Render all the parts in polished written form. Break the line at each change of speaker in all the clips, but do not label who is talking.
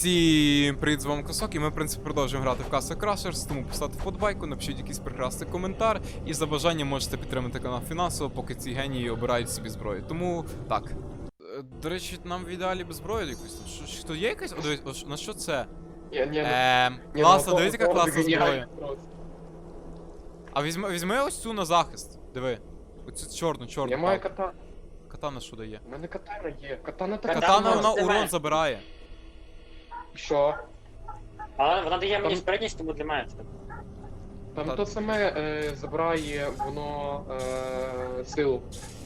Всім привіт, з вами Косок, і ми, в принципі, продовжуємо грати в Castle Crashers, тому поставте вподобайку, напишіть якийсь прекрасний коментар, і за бажанням можете підтримати канал фінансово, поки ці генії обирають собі зброю. Тому, так. До речі, нам в ідеалі без зброї якусь. Що є якась? О, дивись, на що це? Класно, дивись, яка класна зброя. А візьми ось цю на захист, диви. Оцю чорну.
Я маю катану.
Катана що дає?
У мене катана є. Катана така.
Катана вона урон забирає.
Що?
Але вона дає мені
Там-
спритність, тому для мене це.
Там
Та-
то саме забирає воно силу.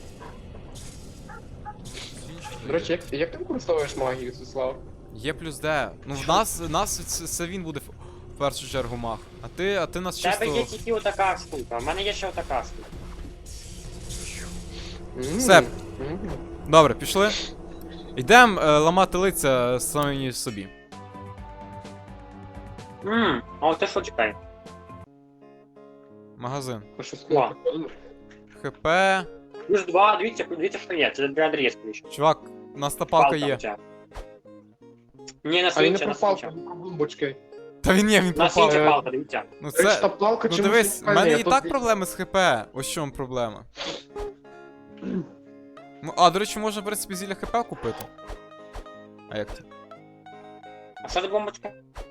До речі, як ти використовуєш магію, Свіслав?
Є плюс Д. Ну в нас це він буде в першу чергу маг. А ти нас
У тебе є
чисто.
тільки отака штука, в мене є ще отака штука.
Все. Добре, пішли. Йдемо ламати лиця самі собі.
А от ти що чекай?
Магазин.
О.
ХП.
Плюс 2, дивіться, що є, це для Андрія скоріше.
Чувак, у нас та палка є.
Ні, на
А він не
свічі, на
пропав,
свічі.
про бомбочки.
Та він є, він
На
пропав.
свічі палка, дивіться.
Ну
Речі, та
це.
палка
Ну
чомусь
дивись, в
унікальна,
мене
я
і
тут
так проблеми з ХП. Ось в чому проблема. А, до речі, можна, в принципі, зілля ХП купити. А як ти?
А що за бомбочка?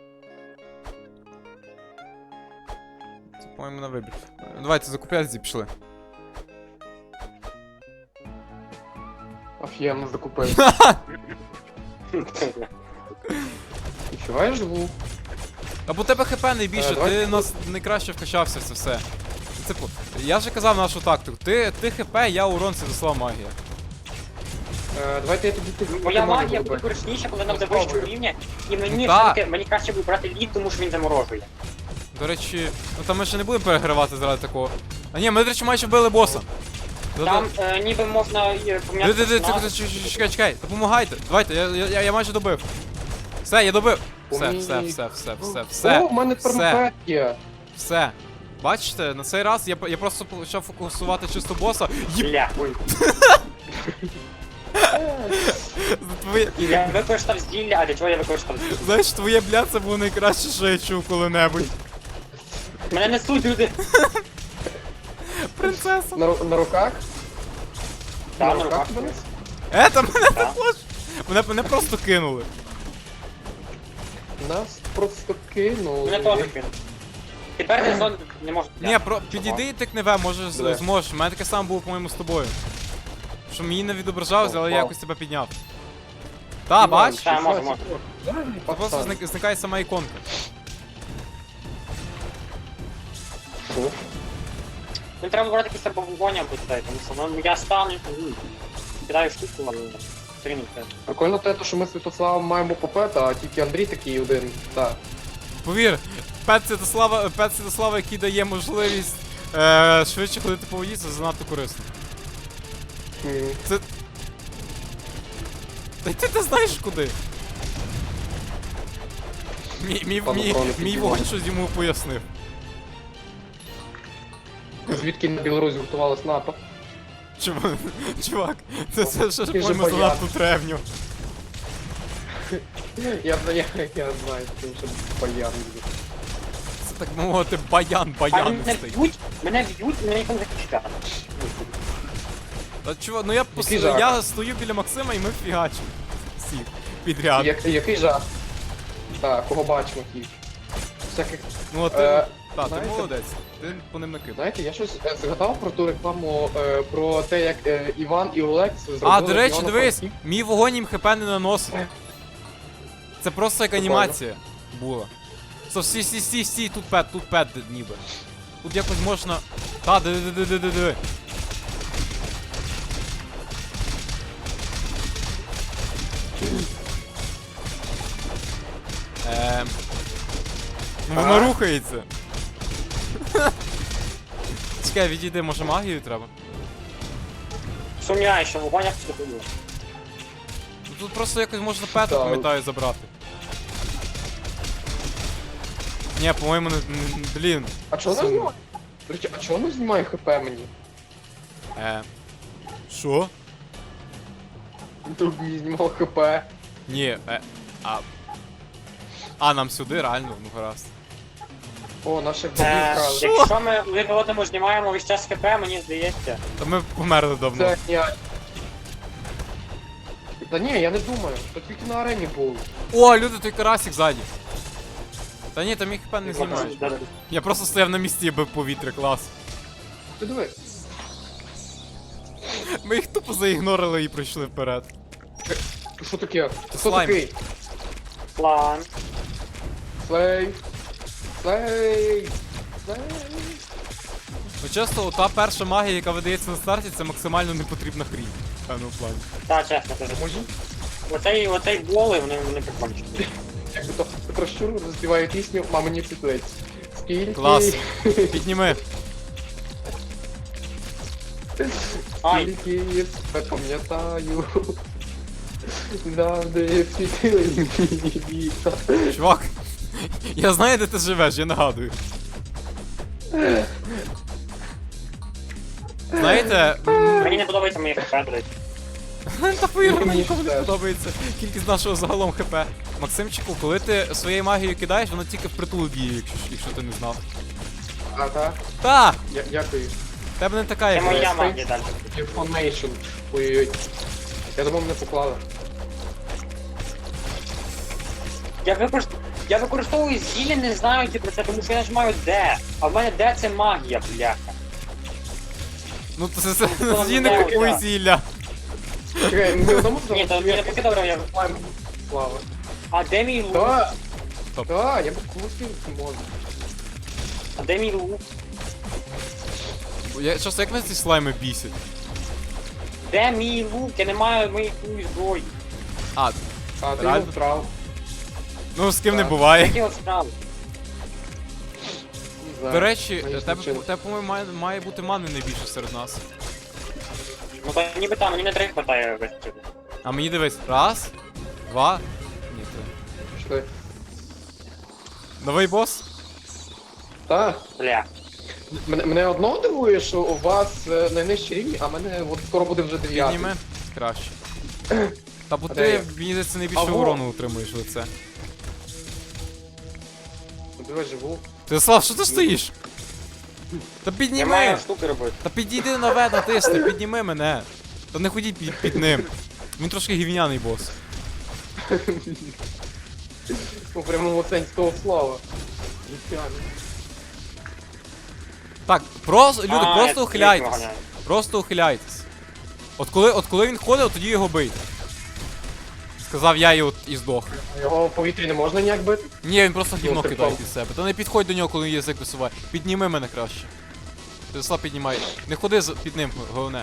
Це, по-моєму, на вибір. Давайте закупляти, пішли.
Офігенно закупив. Відчуваєш звук?
Або у тебе ХП найбільше,
давайте
ти нас найкраще вкачався в це все. Типу, я вже казав нашу тактику. Ти ХП, я урон, це досла магія.
Давайте я тобі
Моя магія буде корисніша, коли нам
Спробуй.
вищого рівня, і мені
Ну, так.
все-таки, мені краще буде брати лід, тому що він заморожує.
До речі, ну там ми ще не будемо перегравати заради такого. А ні, ми, до речі, майже вбили боса.
Там ніби можна поміняти персонажа.
Чекай, допомагайте. Давайте, я майже добив. Все, я добив. Все.
О, в мене тепер є.
Все. Бачите, на цей раз я просто почав фокусувати чисто боса.
Бля, ой. Я використав зілля, а для чого я використав зілля?
Знаєш, твоє бля, це було найкраще, що я чув коли-небудь.
Мене несуть люди.
Принцеса.
На руках?
Так, на руках.
тебе?
Та мене
Так.
також. Мене просто кинули.
Нас просто кинули.
Мене теж кинуть. Тепер не зон не може.
Ні, підійди і тикни В, може
Де?
зможеш. У мене таке саме було, по-моєму, з тобою. Що мені не відображалося, але я якось тебе підняв. Та, бач?
Так, може.
Це просто зникає сама іконка.
Мені треба брати якісь або вогонь або цей, тому що ну, я стану, кидаю штуку, але стрінути.
Прикольно те, що ми з Святославом маємо попета, а тільки Андрій такий один. Так.
Повір, Пет Святослава, який дає можливість швидше ходити по воді, це занадто корисно. Це... Та ти знаєш куди? Мій вогонь щось йому пояснив.
Звідки на Білорусі готувалась НАТО?
Чувак, це все ж,
Ти ж
по-моєму,
бояр.
занадто древньо.
Я знаю, тому що баян.
Це так мовити
А мене
баянистий.
б'ють, мене ніхто не захищає.
Та чувак, ну
Який жах?
я стою біля Максима і ми фігачимо. Всі підряд.
Який жах? Так, кого бачимо ті. Всяких.
Ну от
Е,
ти
знаєте-
молодець, ти по ним накидав.
Знаєте, я щось згадав про ту рекламу про те, як Іван і Олекс зробили.
А, до речі,
Івано-Франківськ.
дивись, мій вогонь їм ХП не наносить. Це просто як
Прикольно.
анімація була. Стій, тут пет ніби. Тут якось можна. Та, диви. Ну воно
А?
рухається. Чекай, відійди, може магію треба?
Сумняю, що вогонь як це ходить.
Ну, тут просто якось можна пета,
Так.
пам'ятаю, забрати. Ні, по-моєму, блін.
А чого воно знімає? До речі, а чого воно знімає ХП мені?
Що?
Тут мені знімало ХП.
Ні, А, нам сюди, реально, ну гаразд.
О, наших бобів крали.
Якщо ми один одному знімаємо весь час ХП, мені здається.
Та ми померли давно.
Це я. Та ні, я не думаю, то тільки на арені був.
О, люди, той карасик ззаді. Та ні, там їх хп не знімаєш.
Да-да.
Я просто стояв на місці і бив повітря, клас.
Ти диви.
Ми їх тупо заігнорили і пройшли вперед.
Що таке? Хто
слайм.
такий?
План.
Слей. Слей. Слей.
Ну чесно, та перша магія, яка видається на старті, це максимально непотрібна хрінь. В певному плані.
Так, чесно кажу.
Може?
Оцей боли, вони прикольні.
Як би то про щуру заспіває пісню «Мамині світлиць». Скільки...
Клас. Підніми.
Ай,
Скільки я пам'ятаю. Завжди світили мені віта.
Чувак, я знаю, де ти живеш, я нагадую. Знаєте,
мені не подобається моє ХП, до речі.
та повірно,
Мені
нікому не
теж.
подобається кількість нашого загалом хп. Максимчику, коли ти своєю магією кидаєш, вона тільки впритул діє, якщо ти не знав.
А, так?
Та!
Дякую.
В тебе не така,
Це
як
моя
я.
магія далі.
Information. Ой-ой-ой. Я думав, мене поклали.
Я використовую зілля, не знаючи про це, тому що я нажимаю D. А в мене D це магія, бляха.
Ну це
Ну,
не
да,
купуй
да.
зілля.
Чекай, ми одному
Ні, то мені не поки добре, я...
Слава.
А де мій лук?
Да,
Стоп.
да, я б крутив можу.
А де мій лук?
Часто як мене ці слайми бісять?
Де мій лук? Я не маю моєї зброї.
А,
А, ти
Реально?
його втрав.
ну з ким не
Так.
буває.
Які от справи?
До речі,
Мені
тебе,
случилось.
по-моєму, має бути мани найбільше серед нас.
Ну то ніби там, мені не 3 хватає весь час.
А мені дивись, раз, два. Ні, три.
Пішли.
Новий бос?
Та,
Бля.
мене одно дивує, що у вас найнижчі рівні, а мене от скоро буде вже 9.
Підніми. Краще. Та бо
А де
ти,
я?
мені здається, найбільше
Аго.
урону утримуєш лице.
Диви, живу.
Ти Слав, що ти стоїш? Та
Я
підніми!
маю штуки робити.
Та підійди на В, натисни, підніми мене. Та не ходіть під ним. Він трошки гівняний бос.
У прямому сенсі того слова.
Так, просто, люди,
А,
просто
я
ухиляйтесь.
ганяю.
Просто ухиляйтесь. От коли він ходить, тоді його бийте. Сказав я і здох.
Його в повітрі не можна ніяк бити?
Ні, він просто гівно
Ну,
кидає
прикол.
під себе. Та не підходь до нього, коли він язик висуває. Підніми мене краще. Ти піднімай. Не ходи під ним, головне.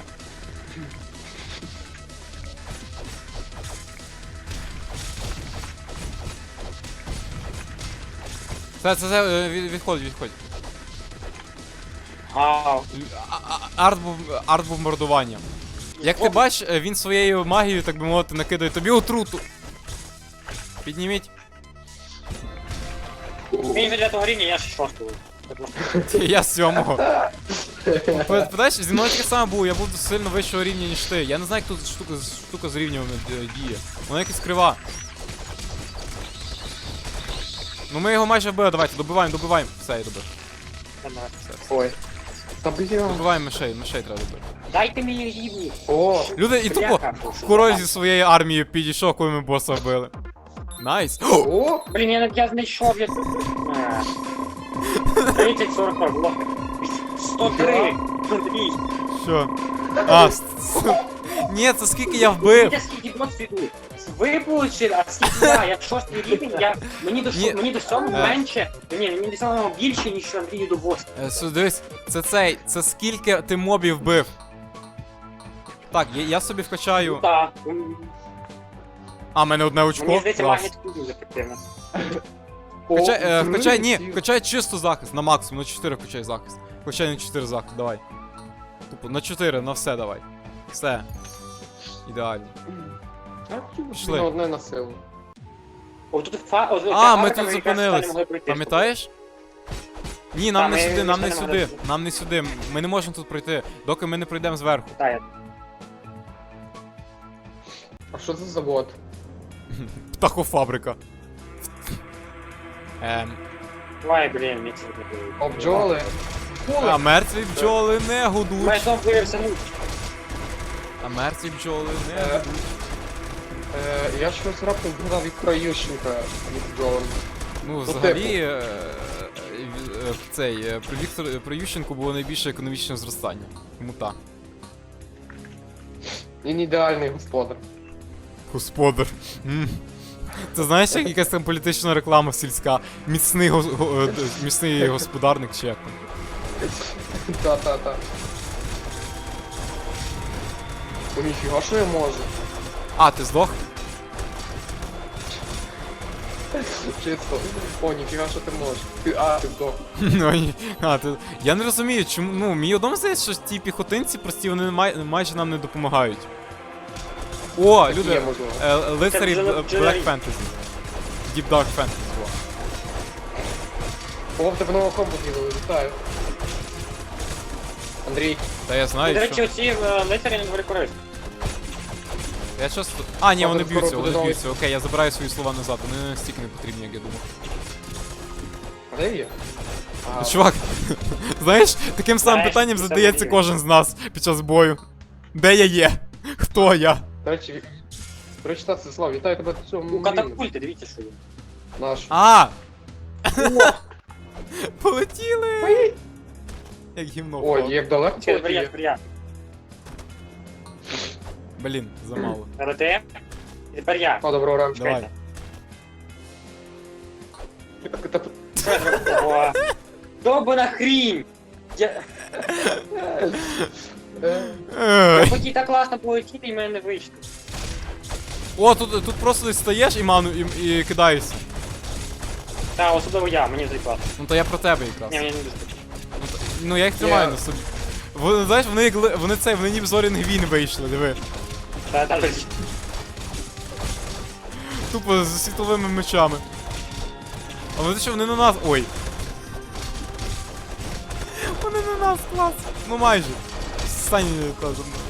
Це, відходь.
Гав.
Арт-бомбардування. Як ти бачиш, він своєю магією, так би мовити, накидає тобі отруту. Підніміть.
Він вже 9 рівня, я 6-го.
Я з 7-го. Питаєш, зі мною таке саме було, я був сильно вищого рівня, ніж ти. Я не знаю, як тут штука з рівнями діє. Вона якась крива. Ну ми його майже вбили, давайте, добиваємо. Все, я добив.
Ой. Та бля.
Добиваємо мишей треба добити.
Дайте мені рівні.
О,
Люди, і тупо
Бляха,
король зі своєю армією підійшов, коли ми боса вбили. Найс.
о,
Блін, я знайшов, я... 30-40 було. 103. 102.
Що? А, ні, це скільки я вбив.
Дивіться, скільки досвіду. Ви получили, а скільки я 6-й рівень, мені до
Ні.
мені до 7 менше, ні, мені до 7 більше, ніж Андрію до 8.
Дивись, це скільки ти мобів вбив. Так, я собі вкачаю.
Так,
А, в мене одне очко.
мені здається,
Клас.
магія тут дуже ефективна.
Вкачай, чисто захист, на максимум, на 4 вкачай захист. Вкачай на 4 захист, давай. Тупо, на 4, на все давай. Все. Ідеально. Пішли.
На одне на силу.
О, тут
А, ми тут зупинились. Пам'ятаєш? Ні, нам
Та,
не
ми
сюди, нам не
ніхто не
сюди.
може.
Нам не сюди. Ми не можемо тут пройти, доки ми не пройдемо зверху.
А що це за завод?
Птахофабрика.
Ой, блін, мені це не було.
О, бджоли.
А мертві бджоли не
Мій
гудуть.
сон виявився, ну,
А мертві бджоли не
Е,
гудуть.
Я щось раптом згадав Віктора Ющенка від бджолами.
Ну,
типу.
взагалі, при Ющенку було найбільше економічне зростання. Тому так.
Він ідеальний господар.
Господар. Це знаєш, як якась там політична реклама сільська. Міцний господарник чи як там.
Та. О, ніфіга, що я можу?
А, ти здох?
Чисто. О, ніфіга, що ти можеш. Ти вдох.
Ну, ні. Я не розумію, чому. Ну, мені одному здається, що ті піхотинці прості, вони майже нам не допомагають. О,
Такі
люди,
є, можливо.
лицарі
Це
Black Fantasy. Deep Dark Fantasy. во.
О, в тебе нового комбо з'явили, вітаю. Андрій,
Та я
до
знаю,
речі,
що.
оці лицарі не доволі корисні.
Я часто. А, ні,
Ладно,
вони
скоро
б'ються,
буде
вони
новий.
б'ються. Окей, я забираю свої слова назад, вони не настільки не потрібні, як я думав.
а де є? А,
Чувак, знаєш, таким самим
Нарешті
питанням
це
задається
мені.
кожен з нас під час бою. Де я є? Хто я?
До речі, прочитати це слово, вітаю тебе до цього.
У катапульти, дивіться, що є.
Наш.
А! Полетіли! Як гімно
Ой,
впало.
як далеко
Через
полетіє.
варіант.
Блін, замало.
РТ. І тепер я.
О, доброго ранку.
Давай.
О, Довбана хрінь! Я
Ей.
хотів так класно полетіти, і в мене не вийшло.
О, тут просто десь стаєш і ману і кидаєшся.
Та, особливо я, мені вже класно.
Ну то я про тебе якраз.
Ні, мені не достатньо.
Ну я їх тримаю
Я-
на собі. Вони, знаєш, вони ніби зорін гвін вийшли, диви.
Та,
Тупо з світловими мечами. А вони що, вони на нас. Ой. Вони на нас, клас. Ну майже. Стань та за мною.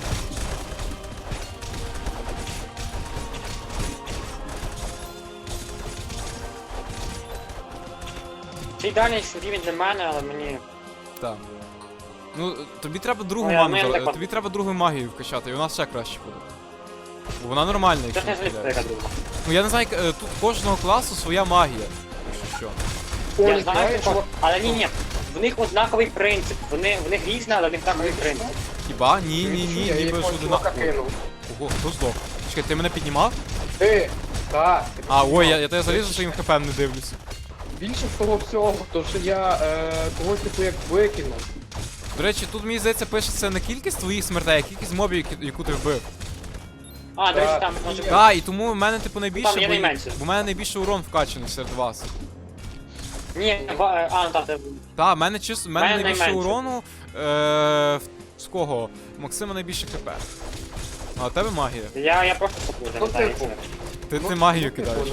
Це ідеальний рівень для мене, але мені...
Так. Ну, тобі треба другу
Ой, а
ману,
мене так от-
тобі треба другу магію вкачати, і у нас ще краще буде. Бо вона нормальна,
Це
якщо
ж не
не
звідси
помиляюсь.
яка друга.
Ну я не знаю, тут кожного класу своя магія. Якщо що.
О,
Я
ніфіга,
знаю,
чувак.
але ні, в них однаковий принцип. В них різна, але в них однаковий принцип.
Хіба? Ні,
Я
ніби ж
якогось чувака
одина.
кинув.
Ого, хто здох? Чекай, ти мене піднімав?
Ти! Так. ти
А, ой,
піднімав.
я тебе залізу, що їм хп не дивлюся.
Більше з того всього, то що я когось типу як викинув.
До речі, тут мені здається пишеться не кількість твоїх смертей, а кількість мобів, яку ти вбив.
А, до речі,
Так,
там може бути.
Так, і тому в мене типу найбільше.
Там є найменше.
Бо в мене найбільше урон вкачаний серед вас.
Ні, ну там це...
Так, в мене в мене
Мене
найбільше
найменше.
урону. З кого? Максима найбільше хп. А у тебе магія.
Я просто сопу,
Ну,
не знаю.
типу.
Ти магію
типу,
кидаєш.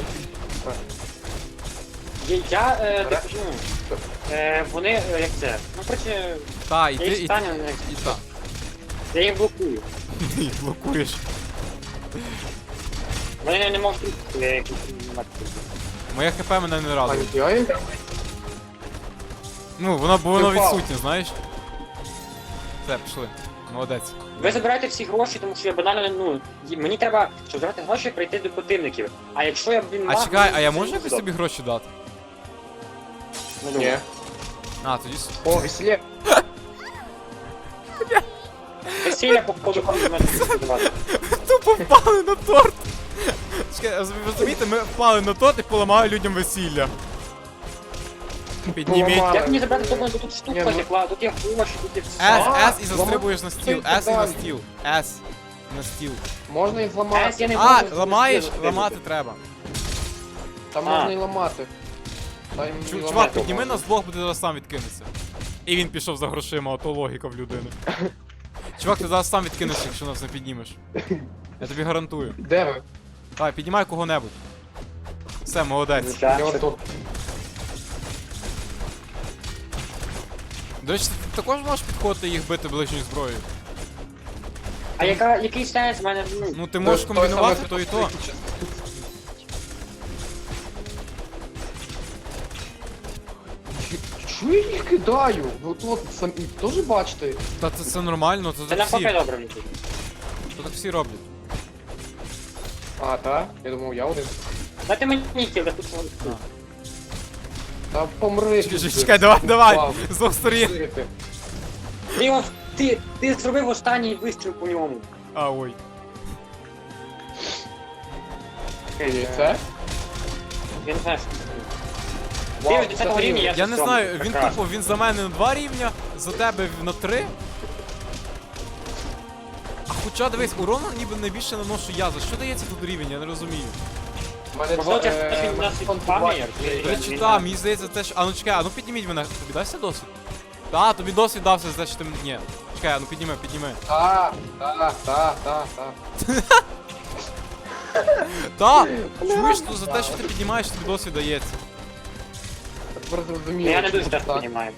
Вони, як це? Ну, короче,
Та, і
я
ти.
їх
І
стану,
та.
я їх блокую.
Ти їх блокуєш.
Вони не можуть, я їх
Моє хп мене не
А
радує.
ніфіга їм?
Ну, воно
Ти впав.
відсутнє, знаєш? Все, пішли. Молодець.
Ви забираєте всі гроші, тому що я банально, ну, мені треба, щоб забрати гроші, прийти до противників. А якщо я, блін,
А
маг,
чекай,
мені
а я
це
можу
не
якось
буде.
тобі гроші дати?
Не
Ні.
думаю.
А, тоді.
О, веселє.
Весілля, походу, можна сподівати.
Тупо впали на торт! Чекай, ви розумієте, ми впали на торт і поламали людям весілля. Підніміть.
Поламали.
Як мені забрати тобою, тут
Ні,
штука,
ну-
текла, тут є гроші, тут є все.
S і застрибуєш на стіл.
Ти
S і на
далі.
стіл. S. На стіл.
Можна їх
S
зламати.
я не
А,
можу
ламаєш?
стрибнути.
Ламати треба.
Там
А.
можна і ламати. Та їм і
Чувак,
ламати
підніми
можна.
нас двох, буде зараз сам відкинеться. І він пішов за грошима, ото логіка в людини. Чувак, ти зараз сам відкинешся, якщо нас не піднімеш. Я тобі гарантую.
Де ви?
Давай, піднімай кого-небудь. Все, молодець.
Я
Звичайно.
тут.
До речі, ти також можеш підходити і їх бити ближньою зброєю.
А який сенс в мене, ну,
Ну ти можеш
Той
комбінувати
самий
то і то.
спосіб, який Чого я їх кидаю? От самі теж бачите?
Та це нормально,
Це
це так
навпаки
всі.
добре летить.
Це так всі роблять.
А, так? Я думав, я один.
Дайте мені кіл, тут
Та помри.
Чекай, давай,
Вау.
з двох сторін.
Жити.
Ти зробив останній вистріл по ньому.
А, ой.
І це?
Я не знаю, що це.
Вау,
Ти 10-го рівня,
Я не
сьомий.
знаю, він
Прекрасно.
тупо, він за мене на 2 рівня, за тебе на 3. А хоча дивись, урон ніби найбільше наношу я. За що дається тут рівень, я не розумію.
У мене
Можливо,
два-
це те, що він
мене
нас
фон
відпам'ятає,
побачив.
До речі, так, мені здається, те, що... А ну чекай, а ну підніміть мене. Тобі дасться досвід? Так, тобі досвід дався, значить ти... Ні. Чекай, а ну підніми.
Та.
Так! Чуєш, що за те, що ти піднімаєш, тобі досвід дається.
Тепер зрозуміло.
Я не дуже
чому
часто
так.
розумію.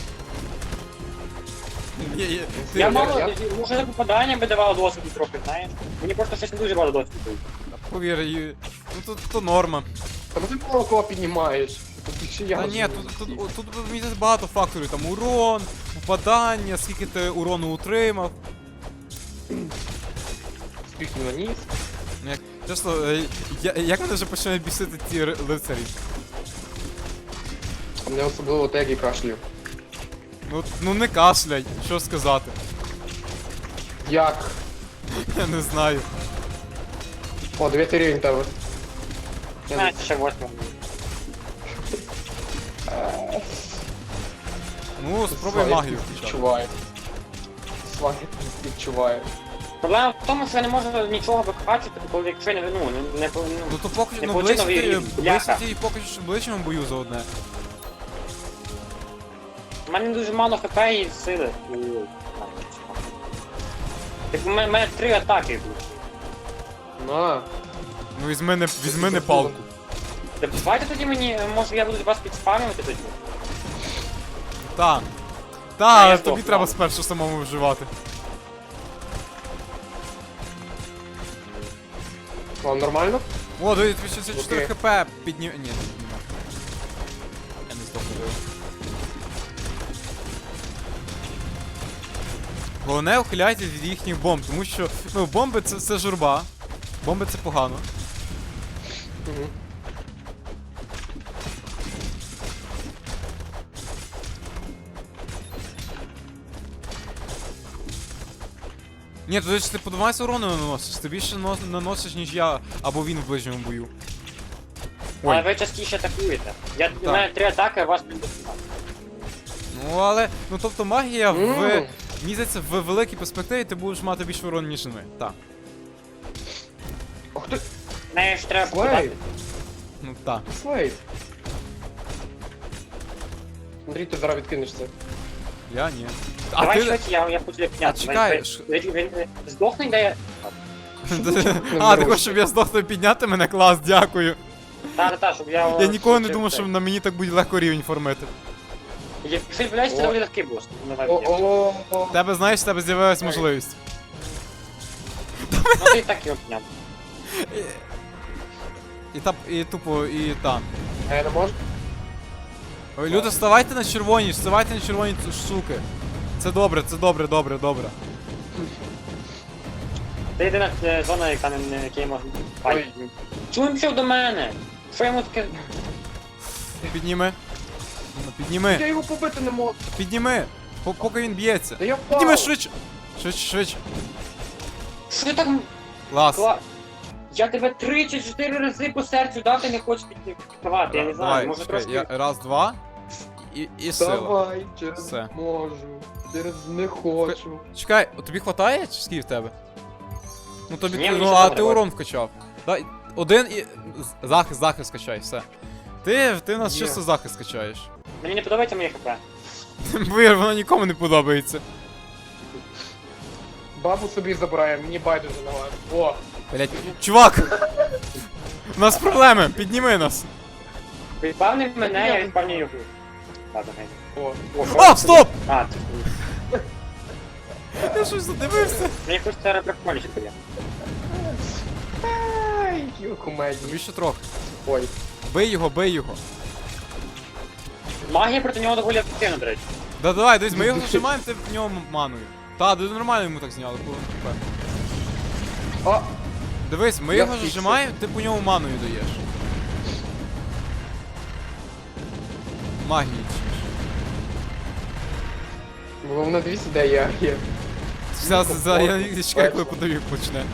Ти-
Я
я-
мало,
я-
може за попадання би давало досвіду трохи, знаєш? Мені просто щось не дуже багато досвіду.
Повір, ну то норма.
Та ну ти мало кого піднімаєш. Тут більше я
Та ні,
розумію.
тут мені здається, багато факторів. Там урон, попадання, скільки ти урону утримав.
Скільки наніс.
Як, чесно, як мене вже починають бісити ці лицарі?
А мене особливо те, як і кашлю.
Ну не кашляй, що сказати.
Як?
Я не знаю.
О, 9 рівень тебе. Я не-
Знаєте, ще 8.
Ну, спробуй
Слайд
магію включати.
відчуваю. Слайд відчуваю.
Проблема в тому, що я не можу нічого викачати, коли якщо я не
Ну то поки
Не
ну
получи
близько
новий
ти
рівень, бляха.
і поки що в ближчому бою за одне.
У мене дуже мало хп і сили. Так у мене 3 атаки будуть.
На.
Ну візьми не палку.
Так давайте тоді мені, може я буду вас підспамювати тоді.
Та.
Ну,
Та,
я
тобі
здох,
треба
мав.
спершу самому вживати.
Вам нормально?
О, дивись, 264
Окей.
хп піднім... Ні, не піднімав. Я не здохну. Головне, ухиляйтесь від їхніх бомб, тому що, ну, бомби це журба. Бомби це погано.
Угу.
Ні, то ти по 12 урону наносиш, ти більше наносиш, ніж я, або він в ближньому бою.
Але
Ой,
ви частіше атакуєте. У
Так.
мене 3 атаки, а у вас 15.
ну але, ну тобто магія в...
Ммм.
Мені здається, в великій перспективі ти будеш мати більше урон, ніж ми. Так.
Ох ти,
Неї ж треба
Слейд.
попадати.
Ну так.
Слейд. Андрій, ти зараз відкинеш це.
Я ні. А
Давай
ти...
швидше, я хочу тебе підняти.
А чекай,
Він здохне, де я...
А, ти хочеш, щоб я здохну і підняти мене? Клас, дякую.
Та, щоб я...
Я ніколи не думав, що на мені так буде легко рівень формити.
Якщо відбувається, це доволі легкий бос. Давай,
О.
Тебе, знаєш, в тебе з'явилась можливість.
Ну ти і так його підняв.
І тупо, і там.
А я не можу?
Ой, люди, вставайте на червоні, суки. Це добре, добре.
Це єдина зона, яка не якій можна файт. Чому він пішов до мене? Що йому таке?
Підніми. Ну,
Я
підніми,
його побити не можу.
підніми. Поки він б'ється.
Та я впав.
Підніми швидше. Швидше.
Що ти так...
Клас.
Я тебе 3 чи 4 рази по серцю дав, ти не хочеш підкривати, я не знаю,
Давай,
може
чекай,
трошки...
я раз, два. І сила.
Давай, через
Все.
можу. Через не хочу.
Чекай, тобі хватає чи скільки в тебе? Ну тобі
Ні,
ну,
мені
а
ще
ти
добре.
урон вкачав. Дай один і. Захист качай, все. Ти в нас
Є.
чисто захист качаєш.
Мені не подобається моє хп.
Повір, воно нікому не подобається.
Бабу собі забирає, мені байдуже на вас. О,
Блять, чувак! У нас проблеми, підніми нас.
Відпавнив мене, я відпавню його. Ладно, гей.
о.
А, стоп!
А, це...
Я щось задивився.
Мені хочеться репрекмоліше тобі.
Ай, які комедії.
Тобі ще трохи.
Ой.
Бий його.
Магія проти нього доволі ефективна, до речі.
Да давай, дивись, ми його зажимаємо, ти в нього маною. Та, ти нормально йому так зняли, коли він тупе.
А,
Дивись, ми
Я
його
фіксив.
зажимаємо, ти по ньому маною даєш. Магії.
головне дивіться, де я є.
Зараз я чекаю, коли подавік почне.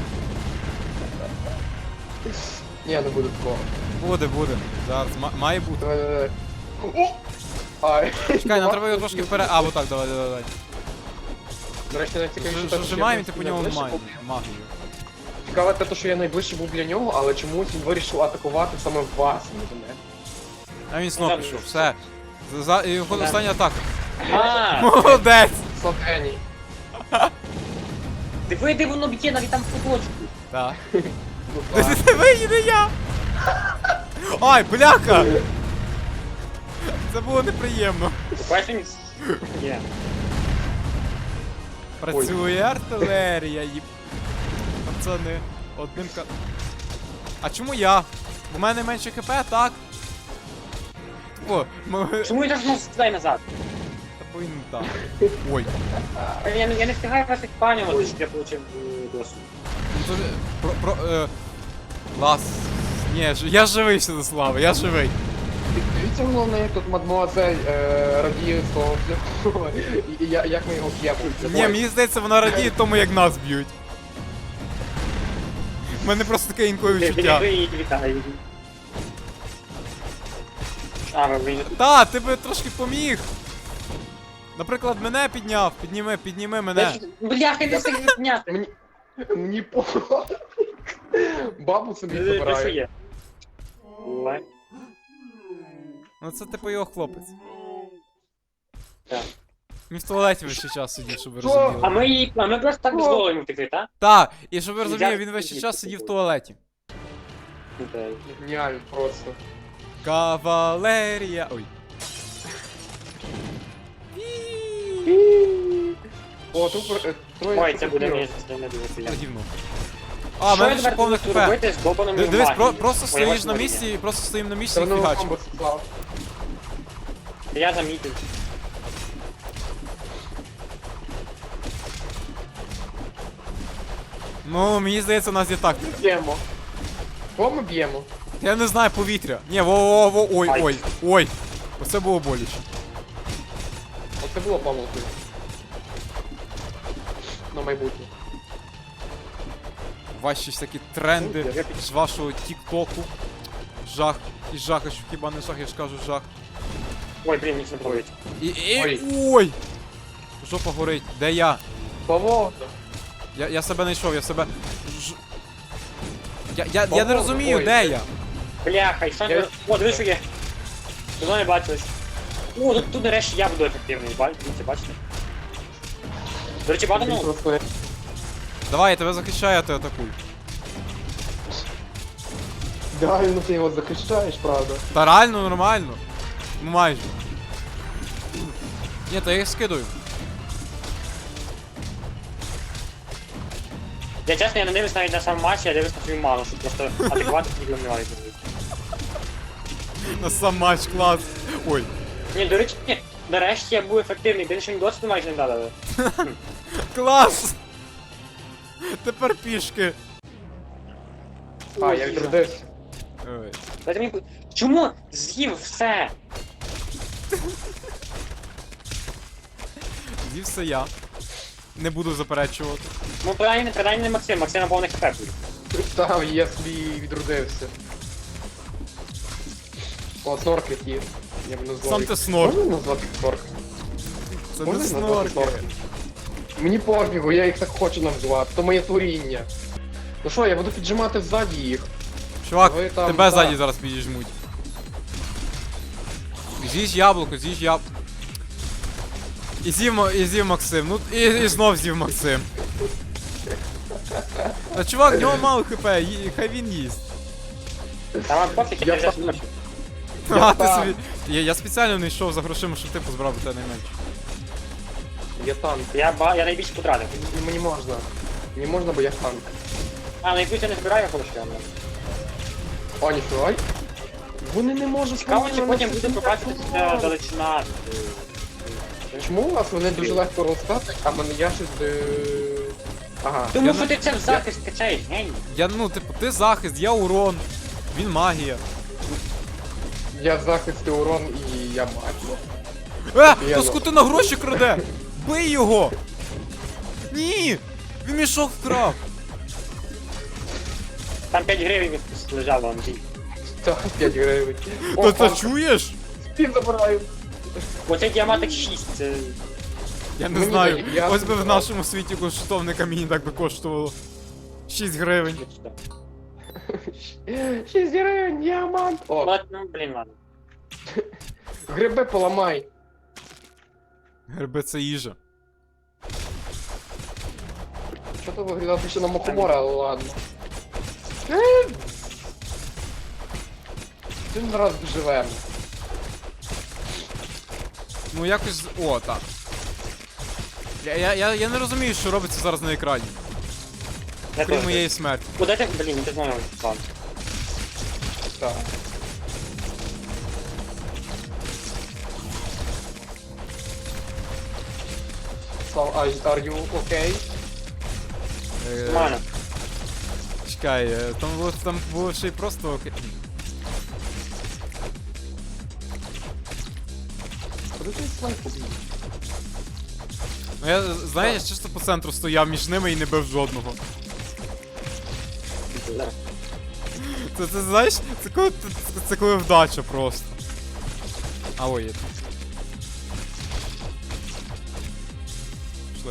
Ні, не буде такого.
Буде. Зараз, має бути.
Давай. О! Ай.
Чекай, нам треба його трошки вперед. А, отак, давай.
До речі, найцікавіше те, що
Зажимаємо,
я
ти по ньому
найближче був.
магію.
Цікаве те, що я найближче був для нього, але чомусь він вирішив атакувати саме вас, не мене.
А він знов пішов, все. Його остання атака.
А,
Молодець!
Сотгеній.
диви, де воно б'є навіть там в куточку.
Так.
Ну, так.
Диви, не я! Ай, бляха! Це було неприємно.
Бачиш, він є.
Працює артилерія, їб... Пацани, одним ка... А чому я? У мене менше хп, так? О,
Чому я знову стріляю назад?
Та повинен так. Ой.
Я не встигаю вас експанювати, щоб я отримав досвід.
Ну, Лас. Ні, я живий, Святославе, я живий.
Дивіться, головне, як тут мадмуазель радіє з того шляху, і як ми його п'ємо.
Ні, мені здається, вона радіє тому, як нас б'ють. У мене просто таке інколи відчуття.
Вітаю. А, ви
Та, ти би трошки поміг. Наприклад, мене підняв, підніми мене.
Бляха, не встиг підняти.
Мені по... Бабу собі
Що
забираю.
є? Ой.
Ну це типу його хлопець.
Так.
Він в туалеті весь час сидів, щоб ви
Що?
розуміли.
А ми просто так дозволили йому втекти, так?
Так, і щоб ви розуміли,
Я-
він весь час сидів в туалеті.
Окей.
Геніально просто.
Кавалерія. Ой.
О, тут троє
Ой, це буде
супертів.
мені це не дуже приємно.
Гівно. А, в мене ще повне
буду
хп.
робити з долбаним
Дивись,
магією?
просто
Ой,
стоїш
ось
на
Марія.
місці, просто стоїм на місці
Це
і
воно
фігачиш.
комбо склав.
Я замітив.
Ну, мені здається, у нас є тактика.
Б'ємо. Кого ми б'ємо?
Я не знаю, повітря. Ні, во, ой. Оце було боляче.
Оце було помилкою. На майбутнє.
Ваші всякі тренди з вашого тік-току. Жах. І жах, а що хіба не жах, я ж кажу жах.
Ой, блін, ніч не проводить.
Ой. Ой! Жопа горить. Де я?
Павло!
Я себе не йшов, я себе. Я не
Ого,
розумію,
ой.
де я.
Бляха, і що
Я-
не... О, дивись, що є. Давно не бачились. О, тут нарешті я буду ефективний, бачите? До речі, багато, ну,
Давай, я тебе захищаю, а ти атакуй.
Реально ти його захищаєш, правда?
Та реально нормально. Ну майже. Ні, та я їх скидую.
я чесно, я не дивлюсь навіть на сам матч, я дивлюсь на свою ману, щоб просто атакувати ніколи не маю.
На сам матч клас. Ой.
Ні, до речі, ні, нарешті я був ефективний, більше мені досвіду майже не дали.
Клас! Тепер пішки.
А, я відродився.
Ой.
Дайте мені... Чому з'їв все?
З'їв все я. Не буду заперечувати.
Ну, принаймні не Максим, Максим на повних хп буде.
Там я собі відродився. О, снорк є. Я б назвав
Сам
їх.
ти снорк.
Можна назвати їх снорк?
Це
Можна
не
їх назвати
снорки.
снорками? Мені пофігу, я їх так хочу назвати, то моє творіння. Ну що, я буду піджимати ззаді їх.
Чувак,
Ви там,
тебе
так.
ззаді зараз підіжмуть. З'їж яблуко, з'їж яблуко. І з'їв Максим, ну і знов з'їв Максим. Та чувак, в нього мало хп, хай він їсть.
Там пофіг, я
Я
взяв
сам-
ночі.
А, ти
там.
собі. Я спеціально не йшов за грошима, щоб ти позбрав до тебе найменше.
Я танк.
Я найбільше потратив.
Мені можна. Мені можна, бо я танк.
А, на якусь я не збираю гроші, але...
О, ніфіга. Вони не можуть
Цікаво, чи
мене
потім буде
нанести
побачити
урон.
далечина.
Чому у вас вони дуже легко розстати, а мене я щось... Ага.
Тому
Я
що
не-
ти це в захист качаєш, геній.
Я, ну, типу, ти захист, я урон. Він магія.
Я захист і урон і я магія.
То скотина гроші краде! Бий його! Ні! Він мішок вкрав!
Там 5 гривень лежало, Андрій.
Так, 5 гривень.
Та це чуєш?
Спів забираю.
Оцей діаматик 6, це...
Я не
Мені
знаю.
так, я
Ось би в
забрав.
нашому світі коштовне камінь так би коштувало. 6 гривень.
6 гривень, діамант. О,
Ну, блін, ладно.
гриби поламай.
Гриби це їжа.
Що то виглядав ще на мухомора, але ладно. Один раз живемо.
Ну якось. О, так. Я не розумію, що робиться зараз на екрані.
Я
Крім
теж.
моєї смерті.
Куди ти, блін, ти знову план.
Так. So, are you okay?
Нормально.
Чекай, там було ще й просто окей.
Куди ти слайд побіг?
Ну я, знаєш, чисто по центру стояв між ними і не бив жодного. Це знаєш, це коли вдача просто. А ой, є. Пішли.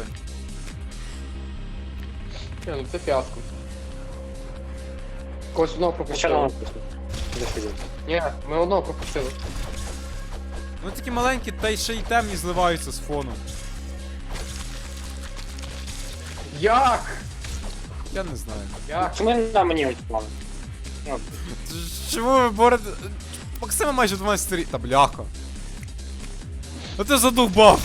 Ну це фіаско. Когось одного
Ще
пропустили.
одного просто. Де сидів?
Ні, ми одного пропустили.
Ну такі маленькі, та й ще й темні зливаються з фоном.
Як?
Я не знаю.
Як?
Чому на мені ось план? Ну,
Чому ви борете. Максима майже 12 рік. Та бляха. А ти задовбав!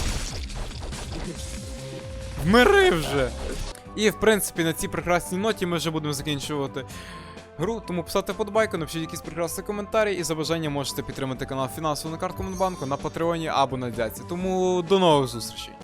Вмири вже! І в принципі на цій прекрасній ноті ми вже будемо закінчувати гру, тому писати подобайку, напишіть якісь прекрасні коментарі і за бажанням можете підтримати канал фінансово на картку Монбанку, на Патреоні або на Дяці. Тому до нових зустрічей!